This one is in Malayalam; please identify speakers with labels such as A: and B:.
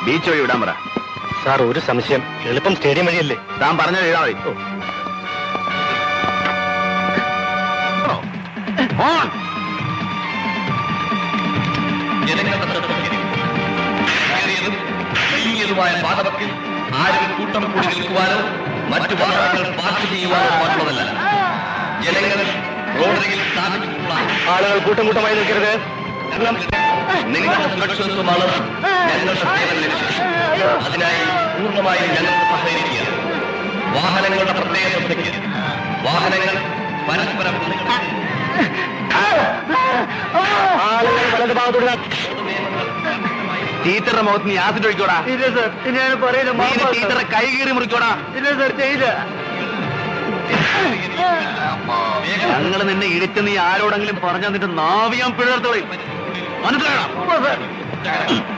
A: ബീച്ച് വഴി വിടാൻ പറ.
B: സാർ, ഒരു സംശയം. എളുപ്പം സ്റ്റേഡിയം വഴിയല്ലേ?
A: താൻ പറഞ്ഞ എഴുതാ മതി.
C: ജനങ്ങളുടെ പാതവക്കിൽ ആരും കൂട്ടം കൂടി നിൽക്കുവാനോ മറ്റു വാഹനങ്ങൾ പാർക്ക് ചെയ്യുവാനോ പാടുള്ളതല്ല. ജനങ്ങൾ റോഡരികിൽ സ്ഥാപിച്ചിട്ടുള്ള
B: ആളുകൾ കൂട്ടം കൂട്ടമായി നിൽക്കരുത്.
C: നിങ്ങളുടെ സുരക്ഷിതത്വമാണ് ഞങ്ങളുടെ സേവന ലക്ഷ്യം. അതിനായി പൂർണ്ണമായും ഞങ്ങൾക്ക് സഹകരിക്കുക. വാഹനങ്ങളുടെ പ്രത്യേക ശ്രദ്ധയ്ക്ക്. വാഹനങ്ങൾ പരസ്പരം
B: ആളുകൾ വലത് ഭാഗത്തോട്.
A: ടീച്ചറുടെ മുഖത്ത് നീ ആസിഡ് ഒഴിക്കോടാ.
B: ഇല്ല സർ, ഞാൻ പറയുന്നത്
A: ടീച്ചറെ കൈ കീറി മുറിക്കോടാ.
B: ഇല്ല സർ, ചെയ്യില്ല.
A: ഞങ്ങൾ നിന്നെ ഇടിച്ച് നീ ആരോടെങ്കിലും പറഞ്ഞാൽ നിന്റെ നാവിയാൻ പിഴർത്തോളി. മനസ്സിലാക്കണം.